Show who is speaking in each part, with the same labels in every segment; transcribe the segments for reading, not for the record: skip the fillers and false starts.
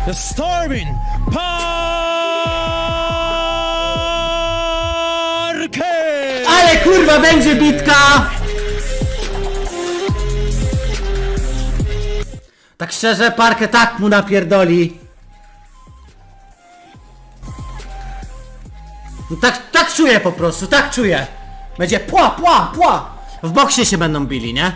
Speaker 1: the Stormin Parker!
Speaker 2: Ale kurwa będzie bitka! Tak szczerze, Parkę tak mu napierdoli. No tak czuję po prostu, tak czuję. Będzie pła, pła, pła. W boksie się będą bili, nie?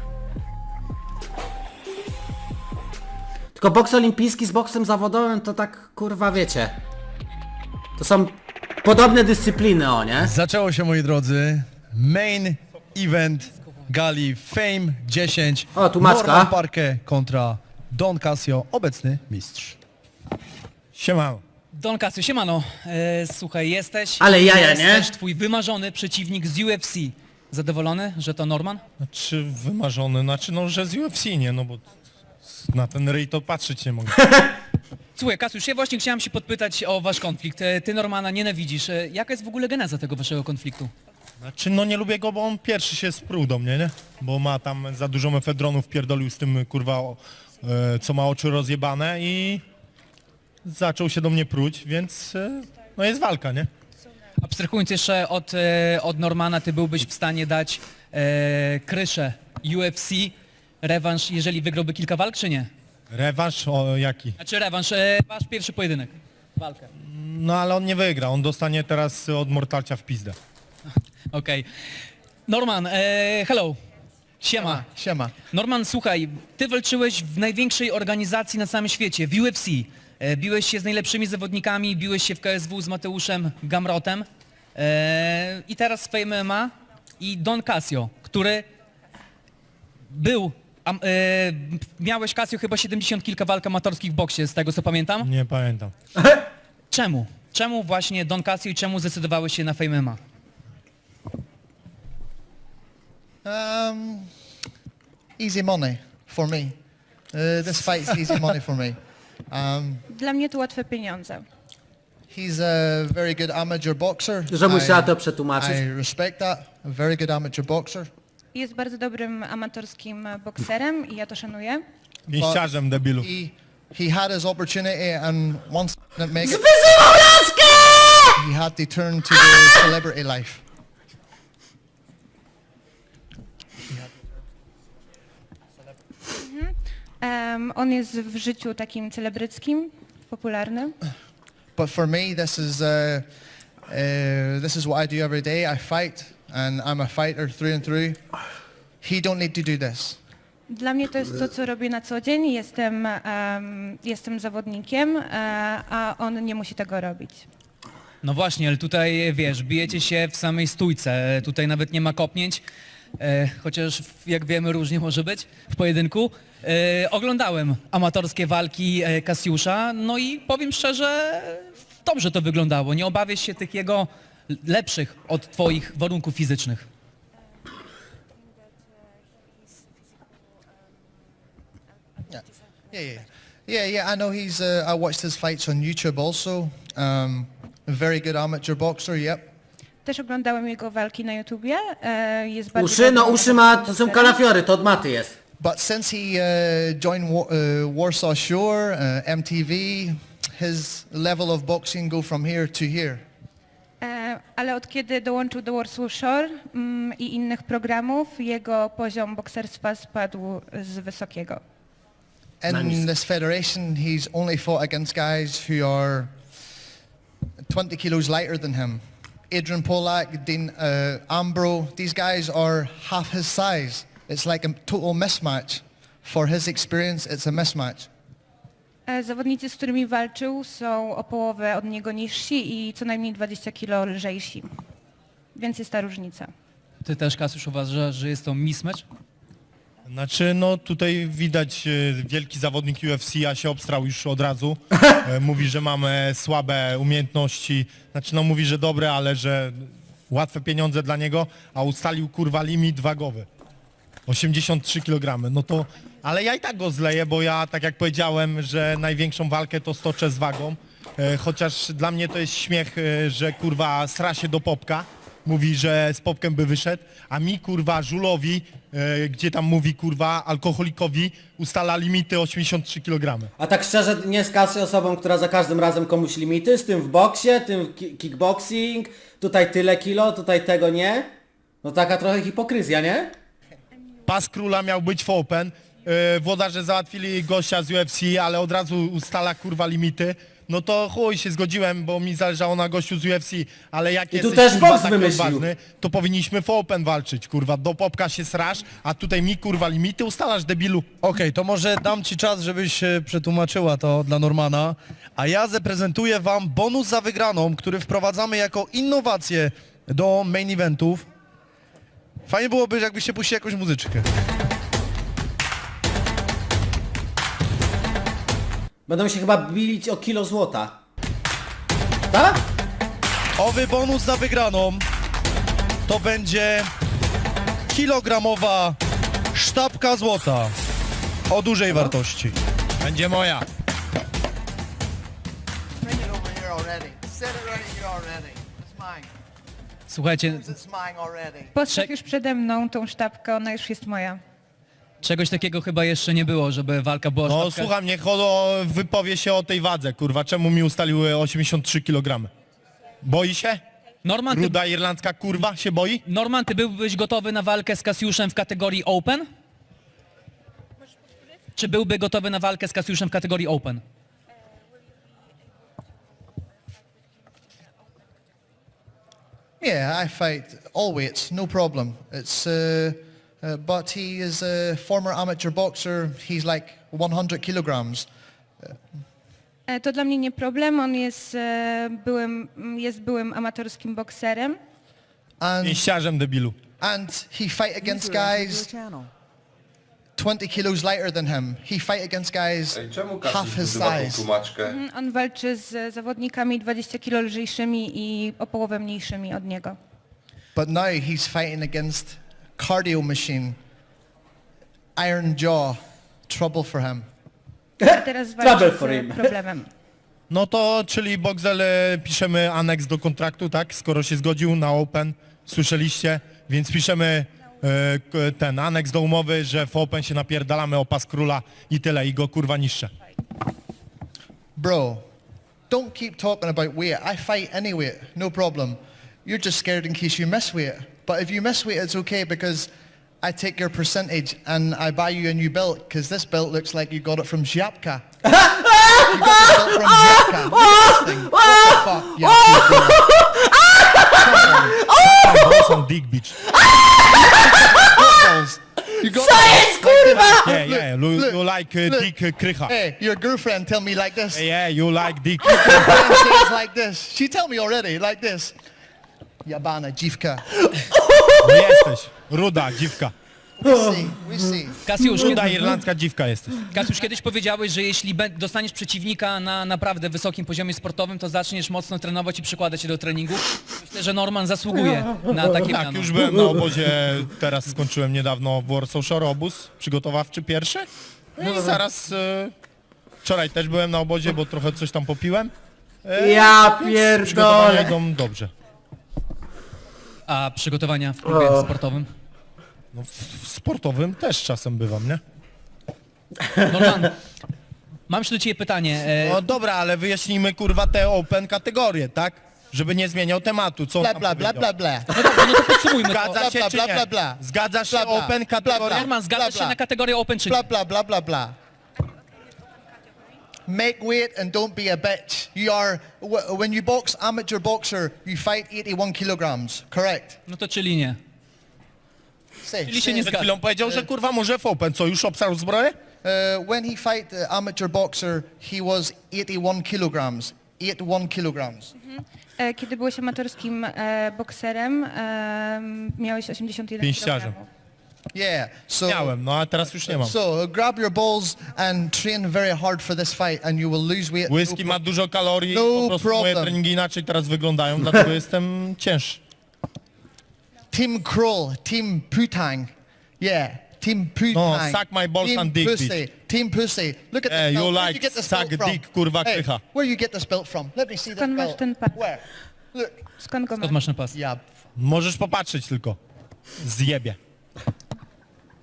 Speaker 2: Tylko boks olimpijski z boksem zawodowym to tak kurwa wiecie. To są podobne dyscypliny, o nie?
Speaker 1: Zaczęło się, moi drodzy, main event gali Fame 10.
Speaker 2: O, tu Maćka.
Speaker 1: Norman Parker kontra Don Casio, obecny mistrz. Siemano.
Speaker 3: Don Casio, siemano. Słuchaj, jesteś...
Speaker 2: Ale jaja, nie?
Speaker 3: Jesteś twój wymarzony przeciwnik z UFC. Zadowolony, że to Norman?
Speaker 4: Znaczy wymarzony, no że z UFC, nie, no bo na ten ryj to patrzeć nie mogę.
Speaker 3: Słuchaj, Kasiusz, ja właśnie chciałem się podpytać o wasz konflikt. Ty Normana nienawidzisz. Jaka jest w ogóle geneza tego waszego konfliktu?
Speaker 4: Znaczy no nie lubię go, bo on pierwszy się sprół do mnie, nie? Bo ma tam za dużo mefedronów, pierdolił z tym kurwa, co ma oczy rozjebane i zaczął się do mnie pruć, więc no jest walka, nie?
Speaker 3: Abstrahując jeszcze od Normana, ty byłbyś w stanie dać kryszę UFC, rewanż, jeżeli wygrałby kilka walk, czy nie?
Speaker 4: Rewanż o jaki?
Speaker 3: Znaczy rewanż, wasz pierwszy pojedynek, walkę.
Speaker 4: No ale on nie wygra, on dostanie teraz od Mortalcia w pizdę.
Speaker 3: Okej. Norman, hello. Siema.
Speaker 5: Siema.
Speaker 3: Norman, słuchaj, ty walczyłeś w największej organizacji na całym świecie, w UFC. Biłeś się z najlepszymi zawodnikami, biłeś się w KSW z Mateuszem Gamrotem. I teraz w Fame MMA i Don Casio, który był... miałeś, Casio, chyba 70 kilka walk amatorskich w boksie, z tego co pamiętam.
Speaker 4: Nie pamiętam.
Speaker 3: Czemu? Czemu właśnie Don Casio i czemu zdecydowałeś się na Fame MMA?
Speaker 5: Easy money for me. This fight's easy money for me.
Speaker 6: Dla mnie to łatwe pieniądze.
Speaker 5: He's a very good amateur boxer.
Speaker 2: Że musiała to przetłumaczyć.
Speaker 5: I respect that. A very good amateur boxer.
Speaker 6: Jest bardzo dobrym amatorskim bokserem i ja to szanuję.
Speaker 4: Pięściarzem, debilu.
Speaker 5: He had his opportunity and once he didn't make it,
Speaker 2: Wyzywał laskę!
Speaker 5: he had to turn to the celebrity life.
Speaker 6: On jest w życiu takim celebryckim, popularnym.
Speaker 5: But for me, this is what I do every day. I fight, and I'm a fighter through and through. He don't need to do this.
Speaker 6: Dla mnie to jest to, co robię na co dzień. Jestem zawodnikiem, a on nie musi tego robić.
Speaker 3: No właśnie, ale tutaj, wiesz, bijecie się w samej stójce, tutaj nawet nie ma kopnięć, chociaż jak wiemy różnie może być w pojedynku. Oglądałem amatorskie walki Kasiusza, no i powiem szczerze, dobrze to wyglądało. Nie obawiasz się tych jego lepszych od twoich warunków fizycznych.
Speaker 5: Yeah. I know he's. I watched his fights on YouTube also. A very good amateur boxer. Yep.
Speaker 6: Też oglądałem jego walki na YouTubie. Jest bardzo
Speaker 2: Uszy, no
Speaker 6: dobrym
Speaker 2: uszy ma, to są
Speaker 6: bokserem.
Speaker 2: kalafiory, to od maty jest.
Speaker 5: But since he joined Warsaw Shore, MTV, his level of boxing go from here to here.
Speaker 6: Ale od kiedy dołączył do Warsaw Shore i innych programów, jego poziom bokserstwa spadł z wysokiego.
Speaker 5: In this federation, he's only fought against guys who are 20 kilos lighter than him. Adrian Polak, Dean Ambro, these guys are half his size. It's like a total mismatch. For his experience, it's a mismatch.
Speaker 6: Zawodnicy, z którymi walczył, są o połowę od niego niżsi i co najmniej 20 kg lżejsi. Więc jest ta różnica.
Speaker 3: Ty też, Kasiusz, uważasz, że jest to mismatch?
Speaker 4: Znaczy, no tutaj widać wielki zawodnik UFC, a się obstrał już od razu. Mówi, że mamy słabe umiejętności. Znaczy, no mówi, że dobre, ale że łatwe pieniądze dla niego, a ustalił kurwa limit wagowy. 83 kg. No to, ale ja i tak go zleję, bo ja, tak jak powiedziałem, że największą walkę to stoczę z wagą. Chociaż dla mnie to jest śmiech, że kurwa sra się do popka. Mówi, że z popkiem by wyszedł, a mi kurwa żulowi gdzie tam mówi, kurwa, alkoholikowi ustala limity 83 kg.
Speaker 2: A tak szczerze, nie jest Casio osobą, która za każdym razem komuś limity, z tym w boksie, tym kickboxing, tutaj tyle kilo, tutaj tego nie. No taka trochę hipokryzja, nie?
Speaker 4: Pas króla miał być w Open, włodarze załatwili gościa z UFC, ale od razu ustala, kurwa, limity. No to chuj, się zgodziłem, bo mi zależało na gościu z UFC, ale jak
Speaker 2: I tu
Speaker 4: jesteś,
Speaker 2: też
Speaker 4: kurwa,
Speaker 2: boks
Speaker 4: taki
Speaker 2: wymyślił.
Speaker 4: odważny, to powinniśmy w Open walczyć, kurwa. Do popka się srasz, a tutaj mi, kurwa, limity ustalasz, debilu.
Speaker 1: Okej, to może dam ci czas, żebyś przetłumaczyła to dla Normana, a ja zaprezentuję wam bonus za wygraną, który wprowadzamy jako innowację do main eventów. Fajnie byłoby, jakbyście puścili jakąś muzyczkę.
Speaker 2: Będą się chyba bilić o kilo złota. Tak?
Speaker 1: Owy bonus za wygraną to będzie kilogramowa sztabka złota o dużej wartości.
Speaker 4: Będzie moja.
Speaker 5: Bring it over here already. Set it right here already. It's mine.
Speaker 3: Słuchajcie,
Speaker 5: It's mine already.
Speaker 6: Postaw
Speaker 3: Czek-
Speaker 6: już przede mną tą sztabkę, ona już jest moja.
Speaker 3: czegoś takiego chyba jeszcze nie było, żeby walka była
Speaker 4: No
Speaker 3: sztabka.
Speaker 4: słucham, niech Holo wypowie się o tej wadze, kurwa. Czemu mi ustaliły 83 kg? Boi się?
Speaker 3: Norman, ty,
Speaker 4: Ruda irlandzka kurwa się boi?
Speaker 3: Norman, ty byłbyś gotowy na walkę z Kasiuszem w kategorii Open? Czy byłby gotowy na walkę z Kasiuszem w kategorii Open?
Speaker 5: Yeah, I fight all weights, no problem. It's but he is a former amateur boxer. He's like 100 kilograms.
Speaker 6: To dla mnie nie problem, on jest byłym amatorskim bokserem.
Speaker 5: And
Speaker 4: Pięściarzem, debilu.
Speaker 5: he fight against guys 20 kilos lighter than him. He fight against guys
Speaker 7: Ej, czemu
Speaker 5: half
Speaker 7: Kasiusz
Speaker 5: his
Speaker 7: używa tą
Speaker 5: size.
Speaker 7: tłumaczkę?
Speaker 6: On walczy z zawodnikami 20 kg lżejszymi i o połowę mniejszymi od niego.
Speaker 5: But now he's fighting against cardio machine. Iron jaw. Trouble for him.
Speaker 6: A teraz
Speaker 2: Trouble
Speaker 6: walczy
Speaker 2: for
Speaker 6: z
Speaker 2: him.
Speaker 6: problemem.
Speaker 4: No to, czyli Boxel, piszemy aneks do kontraktu, tak? Skoro się zgodził na Open, słyszeliście, więc piszemy ten aneks do umowy, że w Open się napierdalamy o pas króla i tyle, i go kurwa niszczę.
Speaker 5: Bro, don't keep talking about weight. I fight any weight, no problem. You're just scared in case you miss weight. But if you miss weight, it's okay because I take your percentage and I buy you a new belt because this belt looks like you got it from Ziapka. You got the belt from Ziapka. Look at this thing. What the fuck? Yeah,
Speaker 4: Balls on dick bitch.
Speaker 5: you got
Speaker 2: Co jest, kurwa?
Speaker 4: Yeah, yeah, you like
Speaker 5: look.
Speaker 4: dick krycha.
Speaker 5: Hey, your girlfriend tell me like this.
Speaker 4: Yeah, you like dick.
Speaker 5: Your friend says like this. She tell me already like this. Jabana dziwka.
Speaker 4: No jesteś, ruda dziwka.
Speaker 5: We see.
Speaker 3: Kasiusz,
Speaker 4: Ruda irlandzka dziwka jesteś.
Speaker 3: Kasiusz, kiedyś powiedziałeś, że jeśli dostaniesz przeciwnika na naprawdę wysokim poziomie sportowym, to zaczniesz mocno trenować i przykładać się do treningu. Myślę, że Norman zasługuje na takie
Speaker 4: Tak,
Speaker 3: miano.
Speaker 4: już byłem na obozie, teraz skończyłem niedawno w Warsaw Shore obóz przygotowawczy pierwszy. No i zaraz, wczoraj też byłem na obozie, bo trochę coś tam popiłem.
Speaker 2: Ja
Speaker 4: Przygotowania
Speaker 2: pierdolę.
Speaker 4: idą dobrze.
Speaker 3: A przygotowania w klubie sportowym?
Speaker 4: No, w sportowym też czasem bywam, nie?
Speaker 3: Norman, mam jeszcze do ciebie pytanie.
Speaker 4: No dobra, ale wyjaśnijmy kurwa te open kategorie, tak? Żeby nie zmieniał tematu, co on
Speaker 5: Bla
Speaker 4: tam
Speaker 5: bla bla
Speaker 4: powiedział.
Speaker 5: bla bla.
Speaker 3: No dobrze, no to podsumujmy to.
Speaker 4: Zgadza się
Speaker 5: Bla,
Speaker 4: czy
Speaker 5: bla,
Speaker 4: nie?
Speaker 5: bla, bla.
Speaker 4: Zgadzasz się
Speaker 5: Bla, bla.
Speaker 4: open kategorie?
Speaker 3: Norman, zgadzasz
Speaker 5: bla,
Speaker 3: się na kategorię Open czy nie?
Speaker 5: Blah blah blah blah blah. Make weight and don't be a bitch. You are when you box amateur boxer, you fight 81 kilograms. Correct.
Speaker 3: No to czyli nie.
Speaker 5: Say.
Speaker 3: Czyli się nie
Speaker 4: Przed
Speaker 3: zgadza.
Speaker 4: chwilą powiedział, że kurwa może w open. Co, już obsarł zbroję?
Speaker 5: When he fight the amateur boxer, he was 81 kilograms. 81 kilograms.
Speaker 6: Kiedy byłeś amatorskim bokserem, miałeś 81
Speaker 4: Pięściarzem.
Speaker 6: kg.
Speaker 5: Yeah. So.
Speaker 4: Miałem, no a teraz już nie mam.
Speaker 5: So grab your balls and train very hard for this fight, and you will lose weight.
Speaker 4: Whisky ma dużo kalorii,
Speaker 5: No
Speaker 4: po prostu moje
Speaker 5: problem.
Speaker 4: treningi inaczej teraz wyglądają, dlatego jestem cięższy.
Speaker 5: Team Kroll, Team Putang. Yeah, Team Putang.
Speaker 4: No, suck my balls
Speaker 5: Team
Speaker 4: and dick,
Speaker 5: pussy.
Speaker 4: bitch.
Speaker 5: Team Pussy. Look at
Speaker 4: Hey,
Speaker 5: this
Speaker 4: you
Speaker 5: belt. Where'd
Speaker 4: like
Speaker 5: you get this
Speaker 4: suck
Speaker 5: belt from?
Speaker 4: dick, kurwa,
Speaker 5: Hey,
Speaker 4: krycha.
Speaker 5: where you get this belt from? Let me see this
Speaker 6: Skąd masz
Speaker 5: belt.
Speaker 6: ten pas?
Speaker 5: Where? Look.
Speaker 6: Skąd go masz?
Speaker 3: Skąd masz na pas?
Speaker 5: Yeah.
Speaker 4: Możesz popatrzeć tylko. Zjebie.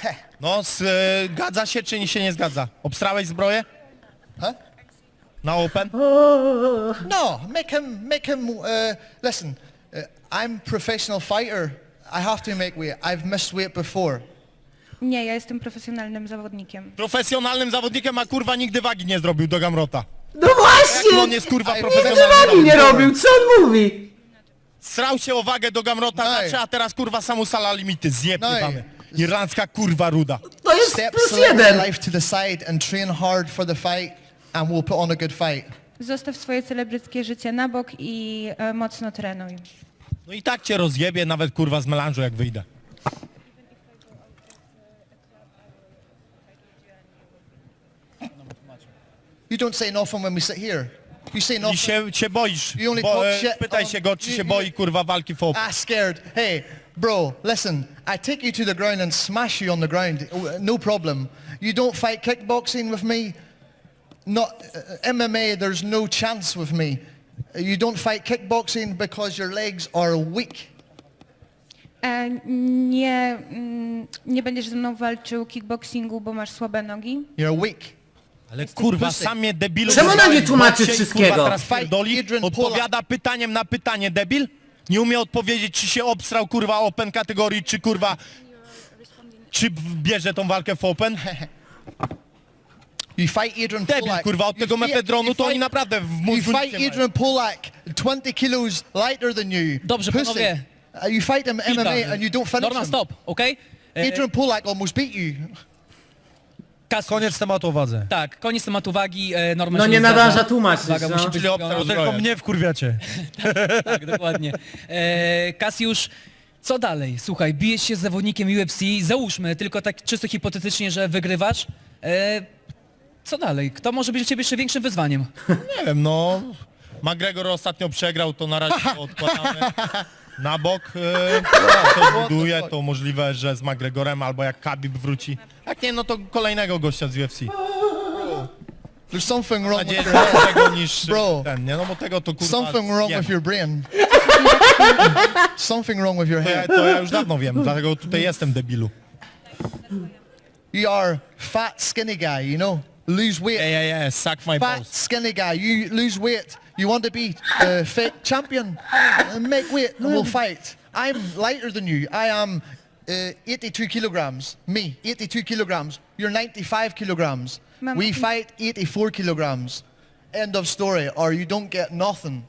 Speaker 4: No, zgadza się czy się nie zgadza? Obstrałeś zbroję?
Speaker 5: Huh?
Speaker 4: Na Open?
Speaker 5: No, make him, listen, I'm professional fighter. I have to make weight. I've missed weight before.
Speaker 6: Nie, ja jestem profesjonalnym zawodnikiem.
Speaker 4: Profesjonalnym zawodnikiem, a kurwa nigdy wagi nie zrobił do Gamrota.
Speaker 2: No
Speaker 4: Jak
Speaker 2: właśnie!
Speaker 4: on jest kurwa
Speaker 2: Nigdy
Speaker 4: profesjonalnym
Speaker 2: wagi nie
Speaker 4: zawodnikiem?
Speaker 2: robił, co on mówi?
Speaker 4: Srał się o wagę do Gamrota,
Speaker 5: No.
Speaker 4: znaczy, a teraz kurwa samusala limity, zjeb
Speaker 5: No.
Speaker 4: jebany. Irlandzka kurwa ruda.
Speaker 2: To jest
Speaker 5: Step
Speaker 2: plus
Speaker 5: select
Speaker 2: jeden.
Speaker 5: your life to the side and train hard for the fight and we'll put on a good fight.
Speaker 6: Zostaw swoje celebryckie życie na bok i mocno trenuj.
Speaker 4: No i tak cię rozjebie nawet kurwa z melanżu jak wyjdę.
Speaker 5: You don't say nothing when we sit here. You say
Speaker 4: I
Speaker 5: nothing.
Speaker 4: się boisz,
Speaker 5: You only
Speaker 4: bo,
Speaker 5: talk shit
Speaker 4: pytaj
Speaker 5: on-
Speaker 4: się go, czy
Speaker 5: you-
Speaker 4: się
Speaker 5: you-
Speaker 4: boi kurwa walki w Open.
Speaker 5: Scared. Hey, bro, listen. I take you to the ground and smash you on the ground. No problem. You don't fight kickboxing with me. Not MMA. There's no chance with me. You don't fight kickboxing because your legs are weak.
Speaker 6: Nie będziesz ze mną walczył kickboxingu, bo masz słabe nogi.
Speaker 5: You're weak.
Speaker 4: Ale kurwa,
Speaker 5: pussy.
Speaker 4: sam mnie debilu...
Speaker 2: Czemu
Speaker 4: wyzwałeś
Speaker 2: ona nie
Speaker 4: w
Speaker 2: tłumaczy
Speaker 4: boksie i,
Speaker 2: wszystkiego?
Speaker 4: Kurwa, teraz
Speaker 5: Fight
Speaker 4: pierdoli,
Speaker 5: Adrian
Speaker 4: odpowiada pytaniem na pytanie, debil? Nie umie odpowiedzieć, czy się obstrał kurwa Open kategorii, czy kurwa... Czy bierze tą walkę w Open?
Speaker 5: You fight Adrian
Speaker 4: Debil,
Speaker 5: Polak.
Speaker 4: kurwa, od
Speaker 5: You
Speaker 4: tego
Speaker 5: fight-
Speaker 4: mefedronu
Speaker 5: you
Speaker 4: to oni
Speaker 5: fight-
Speaker 4: naprawdę w
Speaker 5: You
Speaker 4: mózgu nic
Speaker 5: fight
Speaker 4: nie mają.
Speaker 5: Adrian Polak, 20 kilos lighter than you.
Speaker 3: Dobrze,
Speaker 5: Pussy.
Speaker 3: panowie.
Speaker 5: You fight him
Speaker 3: Chwilka.
Speaker 5: MMA and you don't finish
Speaker 3: Norman,
Speaker 5: him.
Speaker 3: stop, okej?
Speaker 5: Adrian Polak almost beat you.
Speaker 3: Kasiusz,
Speaker 1: Koniec tematu o wadze.
Speaker 3: tak, koniec tematu wagi. Norman
Speaker 2: No
Speaker 3: się
Speaker 2: nie
Speaker 3: zgadza.
Speaker 2: nadąża tłumaczyć,
Speaker 3: Waga
Speaker 2: no.
Speaker 3: musi być
Speaker 4: Czyli
Speaker 3: zrobiona.
Speaker 4: obstrał
Speaker 1: Tylko
Speaker 4: zbroję.
Speaker 1: mnie wkurwiacie.
Speaker 3: Tak, dokładnie. Kasiusz, co dalej? Słuchaj, bijesz się z zawodnikiem UFC, załóżmy, tylko tak czysto hipotetycznie, że wygrywasz. Co dalej? Kto może być dla ciebie jeszcze większym wyzwaniem?
Speaker 4: Nie wiem, no... McGregor ostatnio przegrał, to na razie to odkładamy na bok. To buduje, to możliwe, że z McGregorem albo jak Khabib wróci. Jak nie, no to kolejnego gościa z UFC.
Speaker 5: There's something
Speaker 4: Mam
Speaker 5: wrong
Speaker 4: nadzieję,
Speaker 5: with
Speaker 4: że
Speaker 5: your head.
Speaker 4: tego niż
Speaker 5: Bro.
Speaker 4: ten, nie? No bo tego to kurwa...
Speaker 5: Something wrong
Speaker 4: wiem.
Speaker 5: with your brain. Something wrong with your head.
Speaker 4: To ja już dawno wiem, dlatego tutaj jestem debilu.
Speaker 5: You are fat, skinny guy, you know? Lose weight.
Speaker 4: Suck my
Speaker 5: Fat,
Speaker 4: balls.
Speaker 5: skinny guy. You lose weight. You want to be fake champion. Make weight and we'll fight. I'm lighter than you. I am 82 kilograms. Me, 82 kilograms. You're 95 kilograms.
Speaker 6: Ma'am,
Speaker 5: We fight 84 kilograms. End of story. Or you don't get nothing.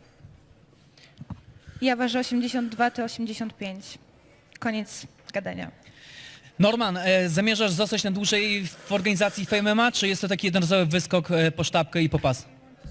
Speaker 6: Ja ważę 82, ty 85. Koniec gadania.
Speaker 3: Norman, zamierzasz zostać na dłużej w organizacji Fame MMA, czy jest to taki jednorazowy wyskok po sztabkę i po pas?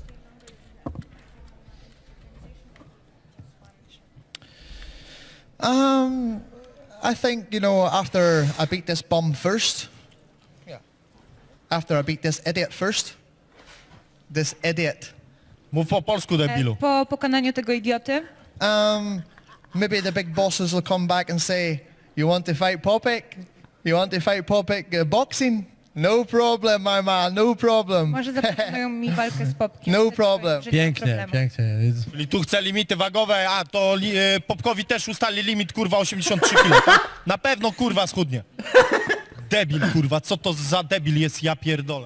Speaker 5: I think, you know, after I beat this bum first, after I beat this idiot first, this idiot,
Speaker 4: Mów po polsku, debilu.
Speaker 6: Po pokonaniu tego idioty,
Speaker 5: maybe the big bosses will come back and say, you want to fight Popek? You want to fight Popek boxing? No problem, my man, no problem.
Speaker 6: może zaproponują mi walkę z Popkiem.
Speaker 5: No
Speaker 6: Wtedy
Speaker 5: problem.
Speaker 6: powiem, że nie ma
Speaker 1: Pięknie,
Speaker 6: problemu.
Speaker 1: pięknie.
Speaker 4: Czyli tu chce limity wagowe, a to Popkowi też ustali limit, kurwa, 83 kg, tak? Na pewno, kurwa, schudnie. Debil, kurwa, co to za debil jest, ja pierdolę.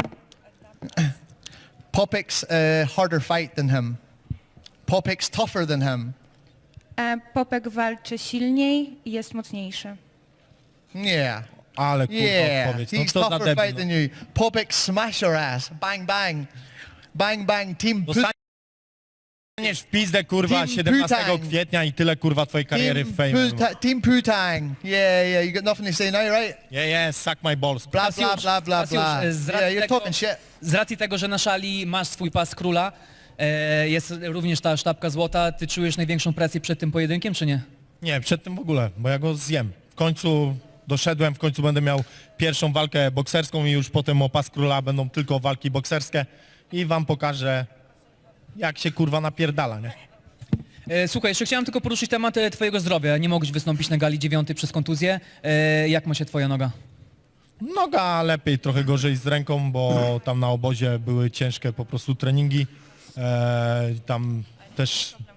Speaker 5: Popek's harder fight than him. Popek's tougher than him.
Speaker 6: Popek walczy silniej i jest mocniejszy.
Speaker 5: Yeah.
Speaker 4: Ale, kurwa,
Speaker 5: Yeah,
Speaker 4: odpowiedź, no
Speaker 5: he's
Speaker 4: co za
Speaker 5: tougher fight
Speaker 4: debil.
Speaker 5: than you. Popek smash your ass. Bang, bang. Bang, bang. Team
Speaker 4: No. Dostaniesz w pizdę, kurwa,
Speaker 5: Team
Speaker 4: 17
Speaker 5: Putang.
Speaker 4: kwietnia i tyle, kurwa, twojej kariery w Fame.
Speaker 5: Team Putang. Yeah, you got nothing to say now, right?
Speaker 4: Yeah, suck my balls.
Speaker 5: Blah, blah, blah, blah,
Speaker 3: Kasiusz,
Speaker 5: blah.
Speaker 3: z
Speaker 5: Yeah,
Speaker 3: racji
Speaker 5: you're
Speaker 3: tego-
Speaker 5: talking shit.
Speaker 3: Z racji tego, że na szali masz swój pas króla, jest również ta sztabka złota, ty czujesz największą presję przed tym pojedynkiem, czy nie?
Speaker 4: Nie, przed tym w ogóle, bo ja go zjem. W końcu doszedłem, w końcu będę miał pierwszą walkę bokserską i już potem o pas króla będą tylko walki bokserskie i wam pokażę, jak się kurwa napierdala, nie?
Speaker 3: Słuchaj, jeszcze chciałem tylko poruszyć temat twojego zdrowia. Nie mogłeś wystąpić na gali 9 przez kontuzję. Jak ma się twoja noga?
Speaker 4: Noga lepiej, trochę gorzej z ręką, bo tam na obozie były ciężkie po prostu treningi. Tam też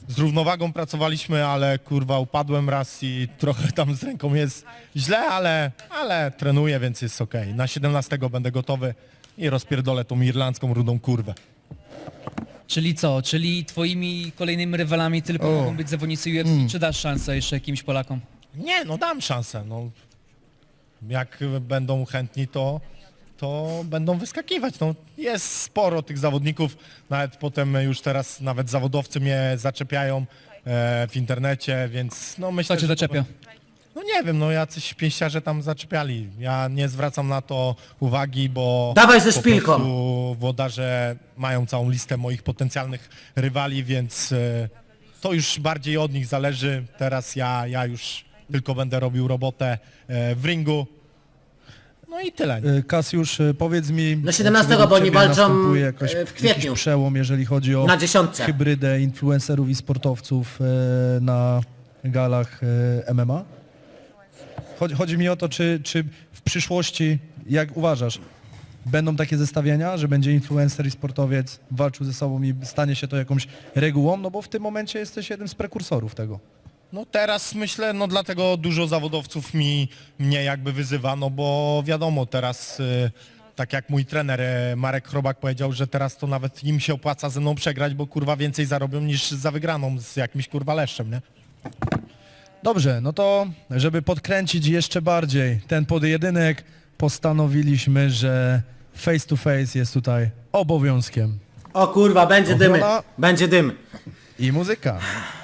Speaker 4: z równowagą pracowaliśmy, ale kurwa upadłem raz i trochę tam z ręką jest źle, ale trenuję, więc jest okej. Na 17 będę gotowy i rozpierdolę tą irlandzką rudą kurwę.
Speaker 3: Czyli co? Czyli twoimi kolejnymi rywalami tylko mogą być zawodnicy UFC, czy dasz szansę jeszcze jakimś Polakom?
Speaker 4: Nie, no dam szansę. No. Jak będą chętni, to będą wyskakiwać. No, jest sporo tych zawodników, nawet potem już teraz nawet zawodowcy mnie zaczepiają w internecie, więc no myślę,
Speaker 3: Kto cię
Speaker 4: że to-
Speaker 3: zaczepia?
Speaker 4: No nie wiem, no jacyś pięściarze tam zaczepiali. Ja nie zwracam na to uwagi, bo
Speaker 2: Dawaj ze
Speaker 4: po
Speaker 2: szpilką.
Speaker 4: prostu włodarze mają całą listę moich potencjalnych rywali, więc to już bardziej od nich zależy. Teraz ja już tylko będę robił robotę w ringu. No i tyle. Nie?
Speaker 1: Kasiusz, powiedz mi...
Speaker 2: Na 17,
Speaker 1: czy według
Speaker 2: bo oni
Speaker 1: ciebie
Speaker 2: walczą,
Speaker 1: następuje jakoś,
Speaker 2: w kwietniu.
Speaker 1: Jakiś przełom, jeżeli chodzi o
Speaker 2: Na 10.
Speaker 1: hybrydę influencerów i sportowców na galach MMA? Chodzi mi o to, czy w przyszłości, jak uważasz, będą takie zestawienia, że będzie influencer i sportowiec walczył ze sobą i stanie się to jakąś regułą? No bo w tym momencie jesteś jednym z prekursorów tego.
Speaker 4: No teraz myślę, no dlatego dużo zawodowców mnie jakby wyzywa, no bo wiadomo teraz, tak jak mój trener Marek Chrobak powiedział, że teraz to nawet im się opłaca ze mną przegrać, bo kurwa więcej zarobią niż za wygraną z jakimś kurwa leszczem, nie?
Speaker 1: Dobrze, no to żeby podkręcić jeszcze bardziej ten pojedynek, postanowiliśmy, że face to face jest tutaj obowiązkiem.
Speaker 2: O kurwa, będzie dymy.
Speaker 1: Ochrona.
Speaker 2: Będzie dym.
Speaker 1: I muzyka.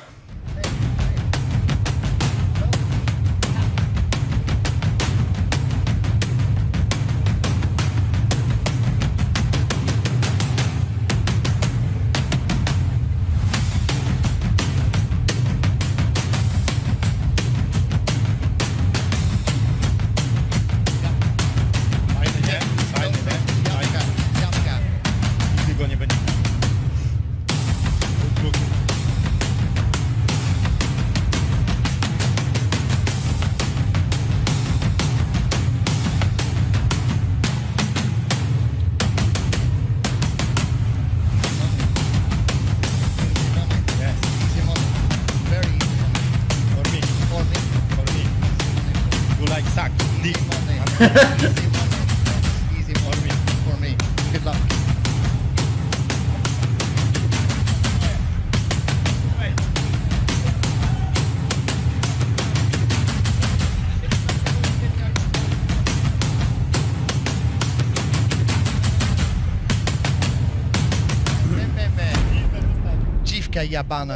Speaker 4: Fajny, nie? Fajny, nie? Fajny. Nigdy go nie będzie.
Speaker 5: Easy money. Very easy money.
Speaker 4: For me,
Speaker 5: For me.
Speaker 4: for me. You like suck, dick.
Speaker 5: Money. Easy money. Easy money. For me. Good luck. Dziwka jabana.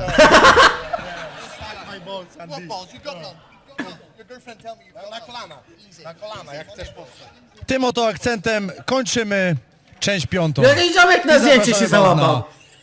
Speaker 4: My balls and dick.
Speaker 5: You got none. Your girlfriend tell me you got
Speaker 4: Na kolana, na kolana, jak chcesz powstać.
Speaker 1: Tym oto akcentem kończymy część 5.
Speaker 2: Jakiś ziomek na
Speaker 1: I
Speaker 2: zdjęcie
Speaker 1: zapraszamy
Speaker 2: się
Speaker 1: was
Speaker 2: załapał.
Speaker 1: na